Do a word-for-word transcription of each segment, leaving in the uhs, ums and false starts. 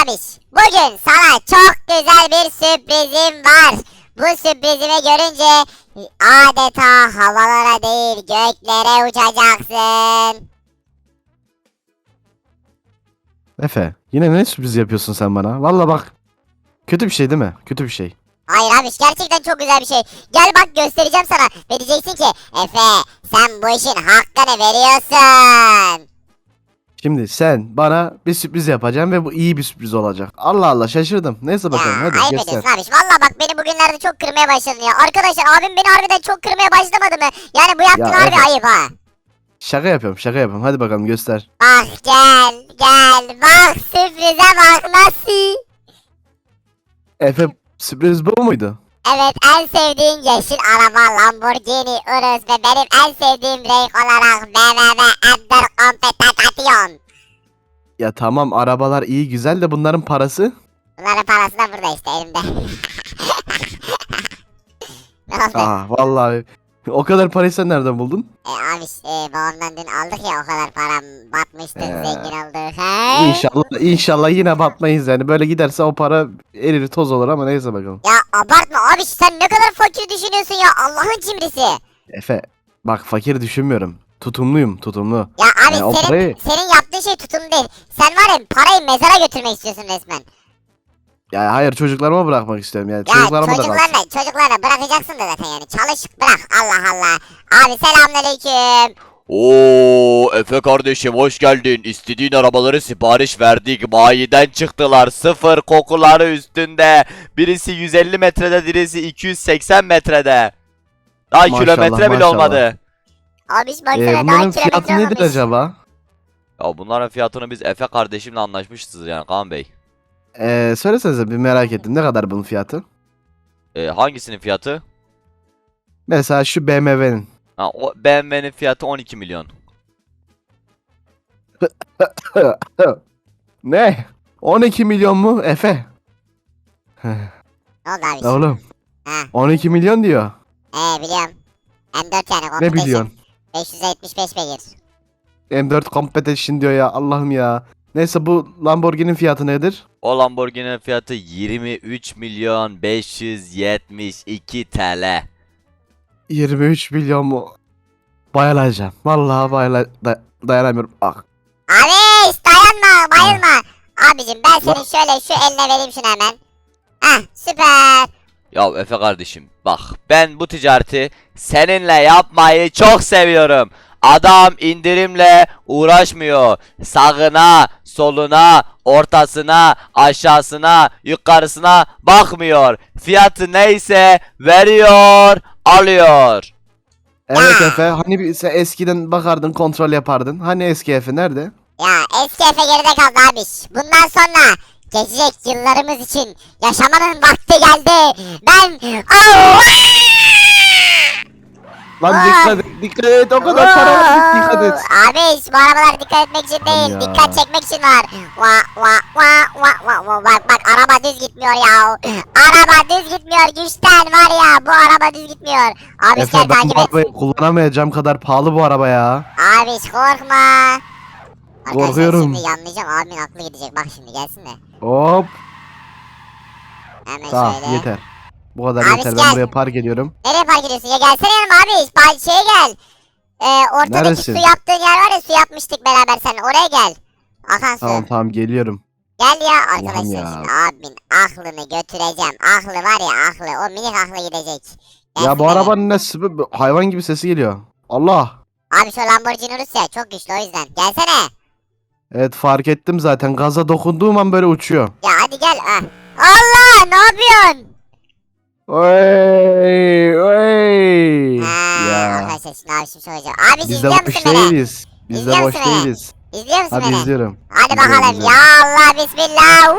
abiş. Bugün sana çok güzel bir sürprizim var. Bu sürprizimi görünce adeta havalara değil göklere uçacaksın. Efe, yine ne sürpriz yapıyorsun sen bana? Valla bak. Kötü bir şey değil mi? Kötü bir şey. Hayır abiş, gerçekten çok güzel bir şey. Gel bak, göstereceğim sana. Ve diyeceksin ki Efe, sen bu işin hakkını veriyorsun. Şimdi sen bana bir sürpriz yapacaksın ve bu iyi bir sürpriz olacak. Allah Allah, şaşırdım. Neyse bakalım, Ya hadi ayıp göster. ediyorsun abiş. Valla bak, beni bugünlerde çok kırmaya başladın ya. Arkadaşlar, abim beni harbiden çok kırmaya başlamadı mı? Yani bu yaptığın Ya harbi Efe. ayıp ha. Şaka yapıyorum, şaka yapıyorum. Hadi bakalım göster. Bak gel gel bak, sürprize bak nasıl. Efe, sürpriz bu muydu? Evet, en sevdiğin yeşil araba Lamborghini Urus ve benim en sevdiğim renk olarak B M W Undercompetition. Ya tamam, arabalar iyi güzel de bunların parası. Bunların parası da burada işte, elimde. Ne oldu? Aa vallahi o kadar parayı sen nereden buldun? E, abi e, babamdan dün aldık ya, o kadar param batmıştı, Ee, zengin olduk. He? İnşallah inşallah yine batmayız yani. Böyle giderse o para erir toz olur ama neyse bakalım. Ya abartma abi, sen ne kadar fakir düşünüyorsun ya, Allah'ın cimrisi. Efe bak, fakir düşünmüyorum. Tutumluyum, tutumlu. Ya abi Yani o senin parayı- senin yaptığın şey tutum değil. Sen var ya, parayı mezara götürmek istiyorsun resmen. Ya hayır, çocuklarıma bırakmak istiyorum yani. Ya Çocuklarıma da kalsın. çocuklarla çocuklarla bırakacaksın da zaten, yani çalış bırak, Allah Allah. Abi selamünaleyküm. Oo, Efe kardeşim hoş geldin. İstediğin arabaları sipariş verdik. Bayiden çıktılar. Sıfır kokuları üstünde. Birisi yüz elli metrede, birisi iki yüz seksen metrede. Daha Maşallah, kilometre bile maşallah. olmadı. Abi baksana, Ee, daha bunların kilometre fiyatı nedir olmamış. acaba? Ya bunların fiyatını biz Efe kardeşimle anlaşmışız yani Kaan Bey. Ee, söylesenize, bir merak ettim. Ne kadar bunun fiyatı? Ee, hangisinin fiyatı? Mesela şu B M W'nin. Ha, o B M W'nin fiyatı on iki milyon. Ne? on iki milyon mu Efe? Ne oldu abi? Oğlum Ha, on iki milyon diyor. ee biliyorum. M dört yani, Ne competition. biliyorsun? beş yüz yetmiş beş beygir. M dört Competition diyor ya, Allah'ım ya. Neyse, bu Lamborghini'nin fiyatı nedir? O Lamborghini'nin fiyatı yirmi üç milyon beş yüz yetmiş iki T L. yirmi üç milyon mu? Bayılacağım. Vallahi bayıla da- dayanamıyorum. Ah. Abi dayanma, bayılma. Abicim ben senin şöyle şu eline vereyim şunu hemen. Hah, süper. Ya Efe kardeşim bak, ben bu ticareti seninle yapmayı çok seviyorum. Adam indirimle uğraşmıyor. Sağına, soluna, ortasına, aşağısına, yukarısına bakmıyor. Fiyatı neyse veriyor, alıyor. Evet Efe, hani bir, sen eskiden bakardın, kontrol yapardın. Hani eski Efe nerede? Ya eski Efe geride kaldı abiş. Bundan sonra geçecek yıllarımız için yaşamanın vakti geldi. Ben Allah! Lan Aa! dikkat et, dikkat et, o kadar para var, dikkat et. Abiş, bu arabalar dikkat etmek için değil, Ya. dikkat çekmek için var. Va va va va va va bak bak, araba düz gitmiyor ya. Araba düz gitmiyor, güçten var ya, bu araba düz gitmiyor. Abiş gel Efe, ben takip bu et. arabayı kullanamayacağım kadar pahalı bu araba ya. Abiş korkma. Arkadaşlar Korkuyorum. şimdi yanlayacağım, abimin aklı gidecek, bak şimdi gelsin de. Hop, Hemen tamam şöyle. yeter. Bu kadar Abi yeter, gel. ben buraya park ediyorum. Nereye park ediyorsun ya, gelsene yanıma abi, ba- şeye gel. Ee, ortadaki Neresin? su yaptığın yer var ya, su yapmıştık beraber seninle, oraya gel. Akan su. Tamam tamam, geliyorum. Gel ya Allah'ım arkadaşlar, ya. şimdi abimin aklını götüreceğim. Aklı var ya, aklı, o minik aklı gidecek. Ya Gelsin bu hele. arabanın ne sü- hayvan gibi sesi geliyor. Allah. Abi şu Lamborghini Urus ya, çok güçlü, o yüzden. Gelsene. Evet, fark ettim zaten. Gaza dokunduğum an böyle uçuyor. Ya hadi gel. Ah. Allah, ne yapıyorsun? Oy oy. Ha, Ya. arkadaşlar şimdi abi şimdi soracağım. Abi Biz de izliyor boş musun beni? değiliz. Biz de İzliyor boş musun beni? değiliz. İzliyor musun Hadi beni? izliyorum. Hadi İzliyorum, bakalım. izliyorum. Ya Allah, bismillah.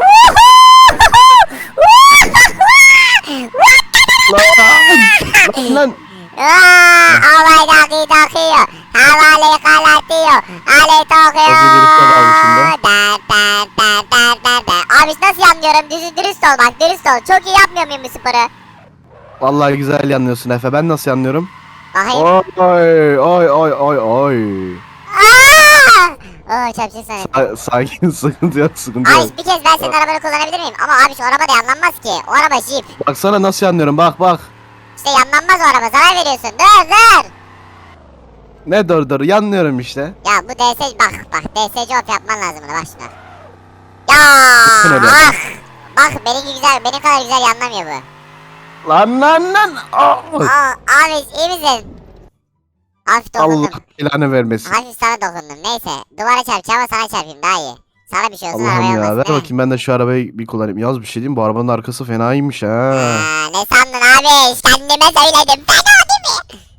Lan, lan. Havayı daki takıyor. Havalı kalatıyor. Ali tokuyor. Çok iyi dürüst ol abi şimdi. Da, da, da, da, da, da. Abi nasıl yanlıyorum? Düz, dürüst ol bak, dürüst ol. Çok iyi yapmıyor muyum bu sporu? Vallahi güzel yanlıyorsun Efe. Ben nasıl yanlıyorum? Bakayım. Oy oy oy oy oy. Aa! Oo çarpacak sana. Sa- sakin sıkıntı yok sıkıntı yok. Abi bir kez ben senin arabanı kullanabilir miyim? Ama abi şu araba da yanlanmaz ki. O araba Jeep. Baksana nasıl yanlıyorum bak bak. İşte yanlanmaz o araba, zarar veriyorsun. Dur dur. Ne dur dur yanlıyorum işte. Ya bu D S bak bak D S C op yapman lazım buna, bak şuna. Ya Bakın öyle. ah. Bak benimki güzel, benim kadar güzel yanlamıyor bu. Lan lan lan. Aa! Aa, abi iyi misin? Hafif Allah dokundum. ilanı vermesin. Hafif sana dokundum. Neyse duvara çarpacağım ama sana çarpayım daha iyi. Sana bir şey olsun, Allah'ım arabaya ya ver olmasın. he? bakayım ben de şu arabayı bir kullanayım. Yaz bir şey diyeyim bu arabanın arkası fenaymış ha. Aa, ne sandın abi? Kendime söyledim. Fena değil mi?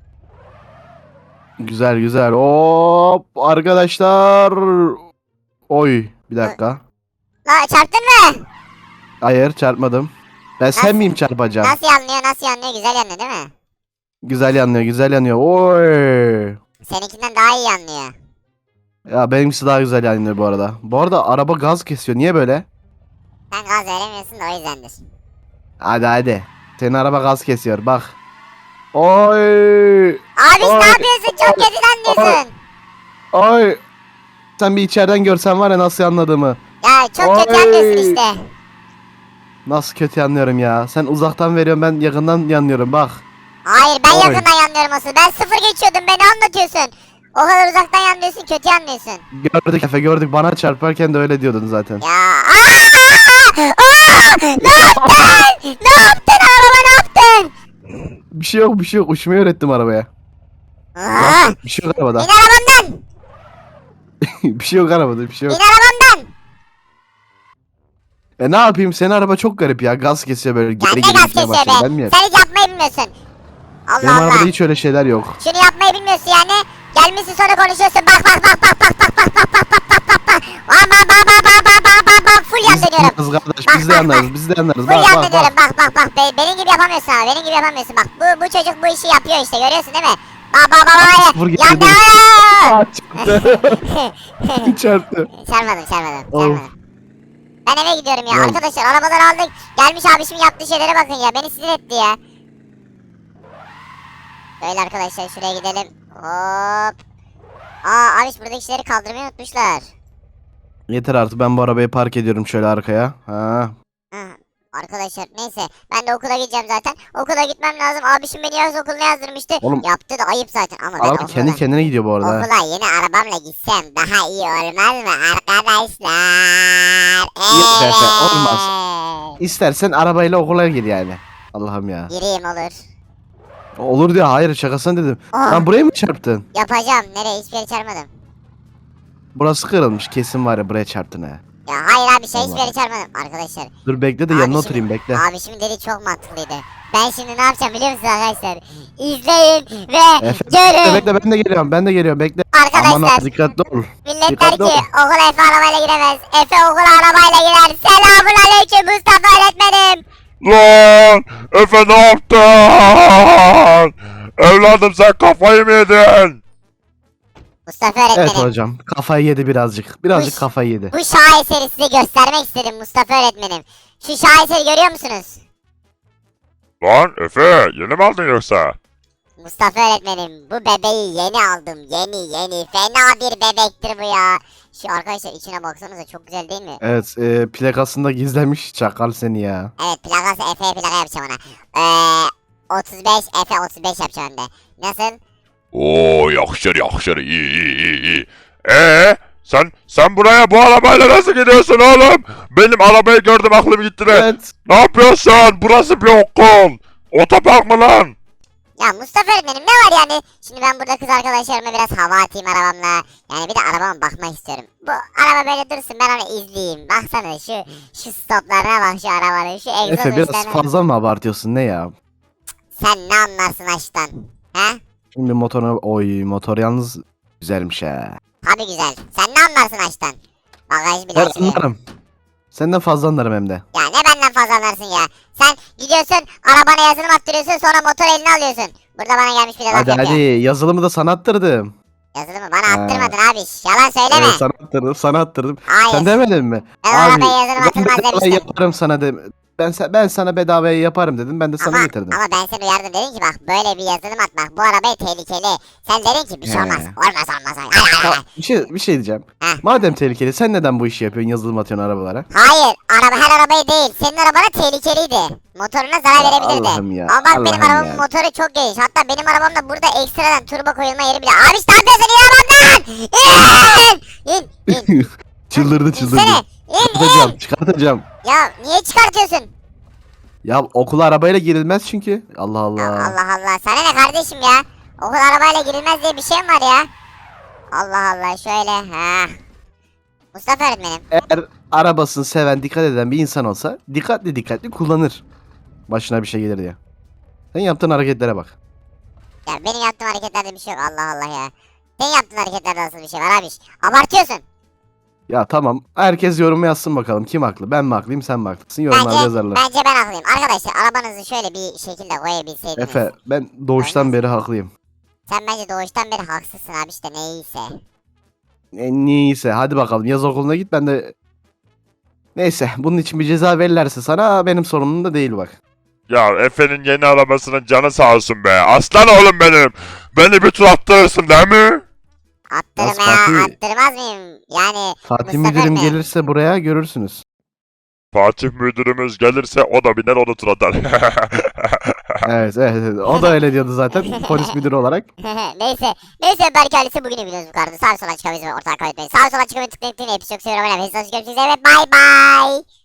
Güzel güzel. Hop arkadaşlar. Oy bir dakika. La çarptın mı? Hayır çarpmadım. Ben Nasıl- sen miyim çarpacağım? Nasıl yanlıyor, nasıl yanlıyor? Güzel yanıyor değil mi? Güzel yanıyor güzel yanıyor. Oy. Seninkinden daha iyi yanlıyor. Ya benimkisi daha güzel yanıyor bu arada. Bu arada araba gaz kesiyor. Niye böyle? Sen gaz veremiyorsun da o yüzdendir. Hadi hadi. Senin araba gaz kesiyor bak. Oy. Abi Ay, ne yapıyorsun? Çok kötü yanlıyorsun. Oy. Sen bir içeriden görsen var ya nasıl anladığımı. Ya çok kötü Ay. yanlıyorsun işte. Nasıl kötü yanlıyorum ya. Sen uzaktan veriyorsun ben yakından yanlıyorum bak. Hayır ben Oy. yakından yanlıyorum asıl. Ben sıfır geçiyordum, beni anlatıyorsun. O kadar uzaktan yanlıyorsun, kötü yanlıyorsun. Gördük Efe gördük. Bana çarparken de öyle diyordun zaten. Ya aa! Aa! Ne yaptın? Ne yaptın araba, ne yaptın? Bir şey yok bir şey yok. Uçmayı öğrettim arabaya. Aa! Bir şey yok İn arabada. arabamdan! Bir şey yok arabada bir şey İn yok. arabamdan! E ne yapayım senin araba çok garip ya. Gaz kesiyor böyle Ya geri ne geri gaz gitmeye kesiyor başlıyor. Ben mi be? yerim? Sen hiç yapmayı bilmiyorsun. Allah Benim Allah. arabada hiç öyle şeyler yok. Şunu yapmayı bilmiyorsun yani. Gelmişsin sonra konuşuyorsun. Bak bak bak bak bak bak bak bak bak bak bak bak bak. Bak bak bak bak bak bak bak bak bak. Full yan Biz de dönüyorum. yanarız kardeş Bak, biz de bak, yanarız bak. biz de yanarız. Full Bak yan bak dönüyorum. bak. Bak bak bak. Be- benim gibi yapamıyorsun ama. Benim gibi yapamıyorsun. Bak bu bu çocuk bu işi yapıyor işte. Görüyorsun değil mi? Bak bak bak bak. Sıfır Yan getirdim. dönüyorum. Aa, çarptı. Çarptı. Çarpmadım çarpmadım. Of. Çarpmadım. Ben eve gidiyorum ya. Ulan. Arkadaşlar arabaları aldık. Gelmiş abişimin yaptığı şeylere bakın ya. Beni sinir etti ya. Böyle arkadaşlar şuraya gidelim. Hop. Aa abiş buradaki şeyleri kaldırmayı unutmuşlar. Yeter artık ben bu arabayı park ediyorum şöyle arkaya. Ha. Hı, arkadaşlar neyse ben de okula gideceğim zaten. Okula gitmem lazım. Abişim beni yaz okuluna yazdırmıştı. Oğlum. Yaptı da ayıp zaten ama ben Araba okula, kendi kendine gidiyor bu arada. ha. okula yeni arabamla gitsem daha iyi olmaz mı arkadaşlar? Yok Evet. Efe, olmaz. İstersen arabayla okula gir yani. Allah'ım ya. Gireyim olur. Olur diyor hayır şakasına dedim. Aa. Lan buraya mı çarptın? Yapacağım. Nereye? Hiçbir yere çarpmadım. Burası kırılmış kesin var ya buraya çarptın ha. Ya hayır abi şey hiçbir Allah. yere çarpmadım arkadaşlar. Dur bekle de Abi yanına şimdi- oturayım bekle. Abi şimdi dedi çok mantıklıydı. Ben şimdi ne yapacağım biliyor musunuz arkadaşlar? İzleyin ve Efe, görün. bekle, bekle ben de geliyorum ben de geliyorum bekle. Arkadaşlar. Aman ha dikkatli ol. Millet der Dikkatli ki ol. okula Efe arabayla giremez. Efe okula arabayla girer. Selamun aleyküm Mustafa öğretmenim. Lan Efe ne yaptın? Evladım sen kafayı mı yedin? Mustafa Evet öğretmenim. hocam kafayı yedi birazcık. Birazcık Uş. kafayı yedi. Bu şaheseri size göstermek istedim Mustafa öğretmenim. Şu şaheseri görüyor musunuz? Lan Efe yeni mi aldın yoksa? Mustafa öğretmenim bu bebeği yeni aldım. Yeni yeni. Fena bir bebektir bu ya. Şu arkadaşlar içine baksanıza çok güzel değil mi? Evet e, plakasında gizlemiş çakal seni ya. Evet plakası Efe'ye plaka yapacağım ona. Eee otuz beş Efe otuz beş yapacağım hem de. Nasıl? Oo yakışır yakışır iyi iyi iyi iyi. Ee sen sen buraya bu arabayla nasıl gidiyorsun oğlum? Benim arabayı gördüm aklım gitti de. Evet. Ne yapıyorsun? Burası bir okul. Otopark mı lan? Ya Mustafa öğretmenim ne var yani? Şimdi ben burada kız arkadaşlarıma biraz hava atayım arabamla. Yani bir de arabama bakmak istiyorum. Bu araba böyle dursun ben onu izleyeyim. Baksana şu şu stoplarına bak şu arabanın. Şu egzoz Efe biraz uçlarına. fazla mı abartıyorsun ne ya? Sen ne anlarsın aşktan? He? Şimdi motoruna oy motor yalnız güzelmiş ha. Tabii güzel. Sen ne anlarsın aşktan? Bagaj bile Ben açılıyor. anlarım. Senden fazla anlarım hem de. Ya ne benden fazla anlarsın ya. Sen gidiyorsun arabana yazılım attırıyorsun sonra motor eline alıyorsun. Burada bana gelmiş bir de laf Hadi yapıyor. hadi yazılımı da sana attırdım. Yazılımı bana Ha. attırmadın abi. Yalan söyleme. Evet sana attırdım sana attırdım. Hayır. Sen demedin mi? Ben arabaya yazılım ben atılmaz bedava demiştim. yaparım sana de Ben sa- ben sana bedavaya yaparım dedim. Ben de sana Ama, getirdim. ama ben seni uyardım, dedim ki bak böyle bir yazılım atmak bu arabaya tehlikeli. Sen dedin ki bir şey He. olmaz. Olmaz olmaz. Ay, ay, ay. Tamam, bir şey bir şey diyeceğim. Heh. Madem tehlikeli sen neden bu işi yapıyorsun? Yazılım atıyorsun arabalara. Hayır, araba her arabayı değil. Senin arabana tehlikeliydi. Motoruna zarar Ya verebilirdi. Allah'ım ya, Ama bak benim Allah'ım arabamın ya. motoru çok geniş. Hatta benim arabamda burada ekstradan turbo koyulma yeri bile. Abi ne yapıyorsun? İn arabamdan! İn! İn! İn! Çıldırdı çıldırdı. İnsene! İn! İn! Çıkartacağım çıkartacağım. Ya niye çıkartıyorsun? Ya okula arabayla girilmez çünkü. Allah Allah. Ya Allah Allah. Sana ne kardeşim ya? Okul arabayla girilmez diye bir şey mi var ya? Allah Allah şöyle. Ha. Mustafa öğretmenim. Eğer arabasını seven, dikkat eden bir insan olsa dikkatli dikkatli kullanır. Başına bir şey gelir diye. Sen yaptığın hareketlere bak. Ya benim yaptığım hareketlerde bir şey yok. Allah Allah ya. Senin yaptığın hareketlerde nasıl bir şey var abi? Abartıyorsun. Ya tamam. Herkes yorum yazsın bakalım. Kim haklı? Ben mi haklıyım, sen mi haklısın? Yorumlarda Bence, yazarlar. bence ben haklıyım. Arkadaşlar arabanızı şöyle bir şekilde koyabilseydiniz. Efe, ben doğuştan beri haklıyım. Sen bence doğuştan beri haksızsın abi işte neyse. E, niyeyse hadi bakalım yaz okuluna git ben de... Neyse bunun için bir ceza verirlerse sana benim sorumluluğum da değil bak. Ya Efe'nin yeni arabasının canı sağ olsun be. Aslan oğlum benim. Beni bir tur attırırsın değil mi? Attırma Yaz ya, Fatih- attırmaz mıyım? Yani Fatih Mustafa müdürüm Bey. gelirse buraya görürsünüz. Fatih müdürümüz gelirse o da biner onu tur atar. Evet, evet evet o da öyle diyordu zaten polis müdürü olarak. neyse. Neyse Berk ailesi bugünü biliyoruz bu kadar. Sağ sola çıkamayız ve ortadan kaybetmeyin. Sağ sola çıkamayı tıklayın. Hepsi çok seviyorum. Hepsi hoş görüşürüz. Evet bay bay.